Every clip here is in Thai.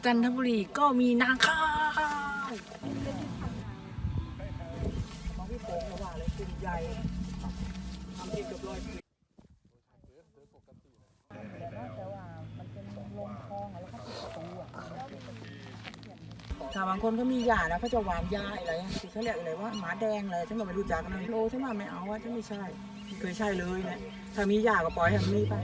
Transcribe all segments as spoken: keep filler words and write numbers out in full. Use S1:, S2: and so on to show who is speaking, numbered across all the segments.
S1: จันทบุรีก็มีนาข้าวมองพี่โป่งระหว่างเลยกลุ่มใหญ่ทำเองกับรอยแต่ว่ามันเป็นลงคลองแล้วก็ติดประตูอ่ะถ้าบางคนก็มียานะเขาจะหวานยาอะไรที่เขาเรียกอะไรว่าหมาแดงอะไรฉันก็ไม่รู้จักนะโลฉันว่าไม่เอาว่าฉันไม่ใช่เคยใช่เลยนะถ้ามียาก็ปล่อยให้มันมีไป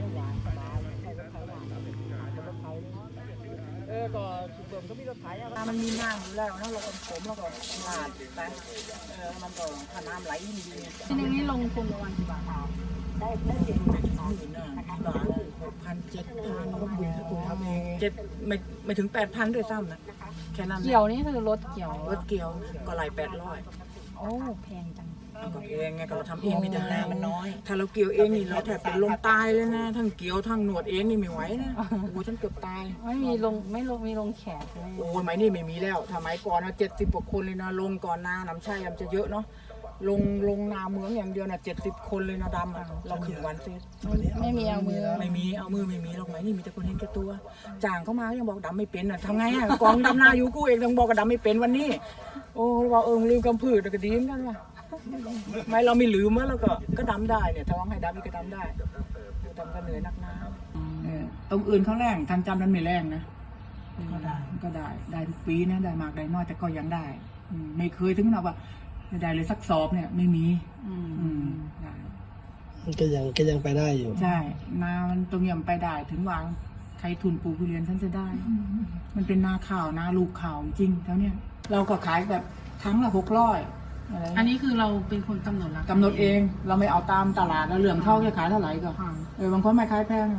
S1: เออก็สุดเบิ่มก็มีรถไถอะมันมีน้ำอยู่แล้วนะเราก็ผมแล้วก็ลาดไปเออมันก็ถ้าน้ำไหลดีทีนี้ลงทุนประมาณกี่บาทได้ได้เจ็ดหมื่นนะบาทหกพันเจ็ดพันก็บุญคุณทำเองเจ็ดไม่ไม่ถึงแปดพันด้วยซ้ำนะแค่นั้น
S2: เกี่ยวนี่คือรถเกี่ยว
S1: รถเกี่ยวก็ไหลแปดร้อย
S2: โอ้แพงจัง
S1: ก็แพงไงก็เราทำเองไม่ได้มันน้อยถ้าเราเกี่ยวเองนี่เราแทบเป็นลมตายเลยนะทั้งเกี่ยวทั้งหนวดเองนี่ไม่ไหวนะโอ้ฉันเกือบตาย
S2: ไม่มีลงไม่ลงมีลงแขกเลย
S1: โอ้ยไม้นี่ไม่มีแล้วถ้าไม้ก่อนนะเจ็ดสิบกว่าคนเลยนะลงก่อนนาน้ำชายมันจะเยอะเนาะลงลงนาเมืองอย่างเดียวนะเจ็ดสิบคนเลยนะดำเราขึงวันเสร็จ
S2: ไม่มีเอามือ
S1: ไม่มีเอามือไม่มีหรอกไหมนี่มีแต่คนเห็นแก่ตัวจ่างเข้ามายังบอกดำไม่เป็นอ่ะทำไงอ่ะกองดำนาอยู่กูเองต้องบอกกับดำไม่เป็นวันนี้โอ้เราเออลืมกำพืชก็ดีเหมือนกันว่ะไม่เราไม่ลืมแล้วก็ก็ดำได้เนี่ยถ้าว่างให้ดำก็ดำได้ดำก็เหนื่อยนักหนาตรงอื่นเขาแรงทันจำนั้นไม่แรงนะก็ได้ก็ได้ได้ทุกปีนะได้มากได้น้อยแต่ก็ยังได้ไม่เคยถึงขนาดว่าไม่ได้เลยสักสอบเนี่ยไม่มีอืมได้
S3: มันก็ยังก็ยังไปได้อยู่
S1: ใช่นามันตรงยำไปได้ถึงวางใครทุนปลูกทุเรียนฉันจะได้มันเป็นนาข่าวนาลูกข่าวจริงแล้วเนี่ยเราก็ขายแบบครั้งละหกร้อย
S2: อันนี้คือเราเป็นคนกำหนดราคาก
S1: ำหนดเองเราไม่เอาตามตลาดแล้วเหลื่อมเท่าจะขายเท่าไหร่ก็เออบางคนไม่ขายแพง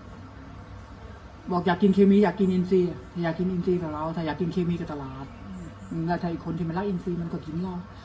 S1: บอกอยากกินเคมีอยากกินอินทรีย์อยากกินอินทรีย์กับเราถ้าอยากกินเคมีกับตลาดแล้วถ้าอีกคนที่มันรักอินทรีย์มันก็กินเรา